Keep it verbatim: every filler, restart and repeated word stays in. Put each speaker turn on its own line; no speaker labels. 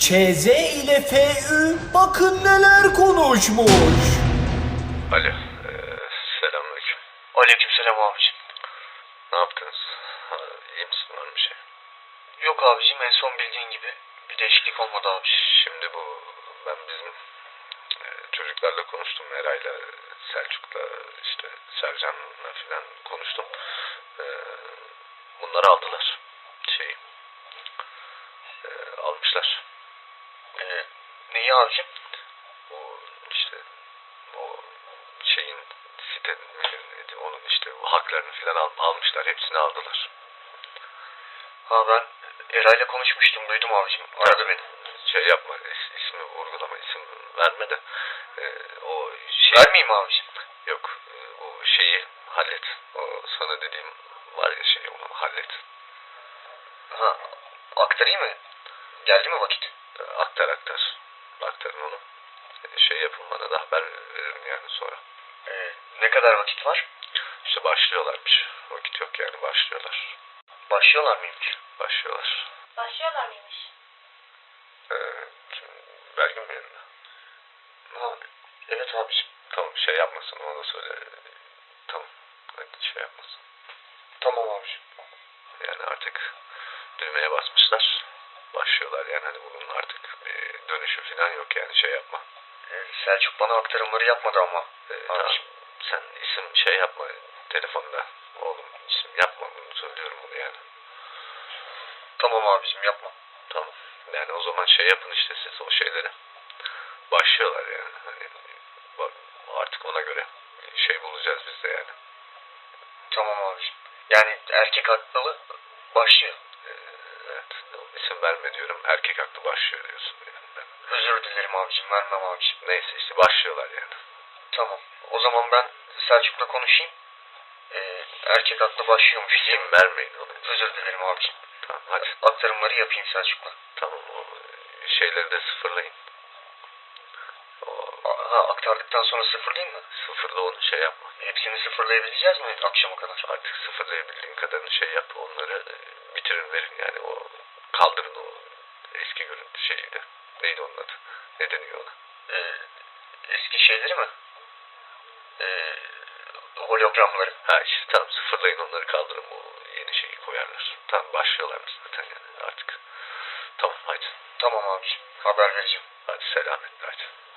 Ş Z ile F Ü bakın neler konuşmuş.
Alo, ee, selamünaleyküm.
Aleykümselam abicim.
Ne yaptınız? Ha, iyi misin, var mı bir şey?
Yok abicim, en son bildiğin gibi bir değişiklik olmadı abi.
Şimdi bu, ben bizim e, çocuklarla konuştum, Eray'la, Selçuk'la, işte Sercan'la falan konuştum. E, bunları aldılar, şeyi, e, almışlar.
Ee, neyi abicim?
O işte, o şeyin, sitenin, onun işte o haklarını falan al, almışlar, hepsini aldılar.
Ha, ben Eray'la konuşmuştum, duydum abicim. Aradı beni.
Şey yapma, is, ismi vurgulama, isim verme de e, o şey...
Vermeyeyim abicim.
Yok, e, o şeyi hallet. O sana dediğim var ya, şey, onu hallet.
Ha, aktarayım mı? Geldi mi vakit?
E, aktar aktar. Aktarın onu. E, şey yapın, bana da haber veririm yani sonra.
Ee, ne kadar vakit var?
İşte başlıyorlarmış. Vakit yok yani, başlıyorlar.
Başlıyorlar mıymış?
Başlıyorlar.
Başlıyorlar mıymış?
E, şimdi Belgin mi yanında?
Ha, evet abicim.
Tamam, şey yapmasın, ona da söyle. Tamam, hadi şey yapmasın.
Tamam abicim.
Yani artık düğmeye basmışlar. Başlıyorlar yani, hani bunun artık bir dönüşü falan yok yani, şey yapma.
Ee, Selçuk bana aktarımları yapmadı ama.
Ee,
Tamam.
tamam, sen isim şey yapma telefonda. Oğlum, isim yapma, bunu söylüyorum bunu yani.
Tamam abicim, yapma.
Tamam. Yani o zaman şey yapın işte siz o şeyleri. Başlıyorlar yani. Hani bak, artık ona göre şey bulacağız biz de yani.
Tamam abicim. Yani erkek haklı başlıyor.
Ee, evet. İsim verme diyorum. Erkek haklı başlıyor diyorsun yani. Ben...
Özür dilerim abicim, vermem abicim.
Neyse işte başlıyorlar yani.
Tamam. O zaman ben Selçuk'la konuşayım. Ee, erkek haklı başlıyormuş diyeyim.
İsim vermeyin onu.
Özür dilerim abicim.
Tamam hadi.
Aktarımları yapayım Selçuk'la.
Tamam, o şeyleri de sıfırlayın. O
Ha, aktardıktan sonra sıfırlayayım mı?
sıfırda onu şey yapma.
Hepsini sıfırlayabileceğiz mi akşama kadar?
Artık sıfırlayabildiğin kadarını şey yap. Onları e, bitirin, verin yani. O kaldırın o eski görüntü şeyi de. Neydi onun adı? Ne deniyor ona?
Ee, eski şeyleri mi? Ee, hologramları.
Ha işte tamam, sıfırlayın onları, kaldırın, o yeni şeyi koyarlar. Tamam, başlıyorlar zaten yani artık. Tamam hadi.
Tamam abiciğim. Haber vereceğim.
Hadi selametle hadi.